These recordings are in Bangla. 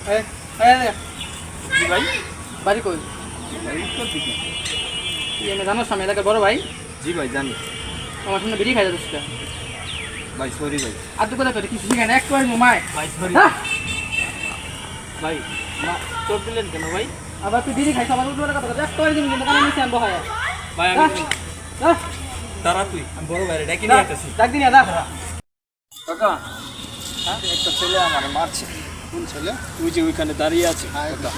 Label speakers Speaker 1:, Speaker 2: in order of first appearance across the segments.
Speaker 1: ভাই
Speaker 2: বাড়ি কই? আমি জানো আমি এলাকার বড় ভাই।
Speaker 1: জি ভাই জানি
Speaker 2: আমার সামনে বেরিয়ে খাই যাচ্ছে
Speaker 1: ভাই, সরি ভাই।
Speaker 2: আর তো কথা কিছু শিখায় না একটু মামায়
Speaker 1: ভাই সরি ভাই, চোট দিলেন কেন ভাই?
Speaker 2: আবার তুই বিড়ি খাইছ আবার উঠে কথা একটু কিন্তু কানে নিচে আনবো হয়
Speaker 1: ভাই আমি তারা তুই আমি বড় ভাইরে ডাকি নিয়ে আসতেছি।
Speaker 2: ডাক দিন দা
Speaker 1: কাকা, হ্যাঁ একটা ছেলে আমার মারছে।
Speaker 3: কোন ছেলে?
Speaker 1: তুই যে ওইখানে দাঁড়িয়ে আছে কাকা।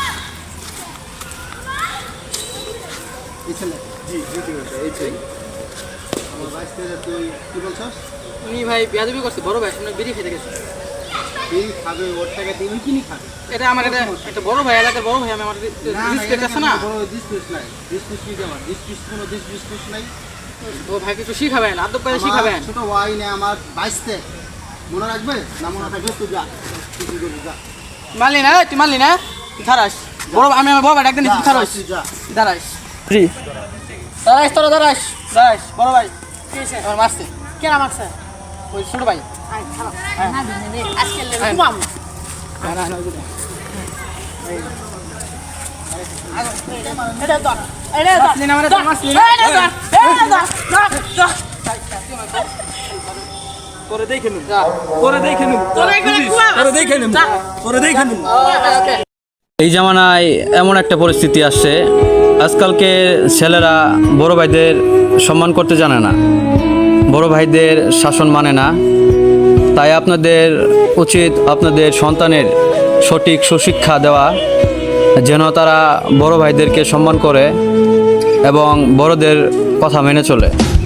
Speaker 3: এই ছেলে
Speaker 1: জি জি এই যে
Speaker 3: আমার বাইশ থেকে তুই কি বলছস?
Speaker 2: উনি ভাই বেয়াদবি করছে বড় ভাই সামনে বিড়ি খেতে গেছে।
Speaker 3: বিড়ি খাবে, ওর টাকা দিয়ে উনি কিনি খাবে।
Speaker 2: এটা আমার একটা বড় ভাই এলাকার বড় ভাই আমি আমার রিসপেক্ট আছে না।
Speaker 3: বড় ডিসপিউট নাই, ডিসপিউট কি আমার ডিসপিউট কোনো ডিসপিউট নাই।
Speaker 2: ও ভাই কিছু শিখাবেন আদব করে শিখাবেন।
Speaker 3: ছোট ভাই না আমার বাইশ থেকে মনে রাখবে না, মনে থাকলে তুই যা, তুই কি করবি যা।
Speaker 2: মানলি না তুই মানলি না দাঁড়াস বড় আমি আমার বড় ভাই একদিন দাঁড়াস
Speaker 3: তুই যা।
Speaker 2: দাঁড়াস জি দাঁড়াস তোরা দাঁড়াস দাঁড়াস বড় ভাই আমার মারছে
Speaker 4: কেন মারছে?
Speaker 2: ওই ছোট ভাই
Speaker 4: আজকে ঘুমাম
Speaker 2: না না না
Speaker 4: এটা তো এটা তো
Speaker 2: মারলি না মানে তোর মারলি না
Speaker 1: করে দেখে নিন,
Speaker 2: যা
Speaker 1: করে দেখে নিন,
Speaker 4: তোরা এখানে
Speaker 1: বুঝিস?
Speaker 4: ঘুমা।
Speaker 1: করে দেখে নিন, করে দেখে নিন।
Speaker 2: ওকে
Speaker 5: এই জামানায় এমন একটা পরিস্থিতি আসছে, আজকালকে ছেলেরা বড় ভাইদের সম্মান করতে জানে না, বড় ভাইদের শাসন মানে না। তাই আপনাদের উচিত আপনাদের সন্তানের সঠিক সুশিক্ষা দেওয়া, যেন তারা বড় ভাইদেরকে সম্মান করে এবং বড়দের কথা মেনে চলে।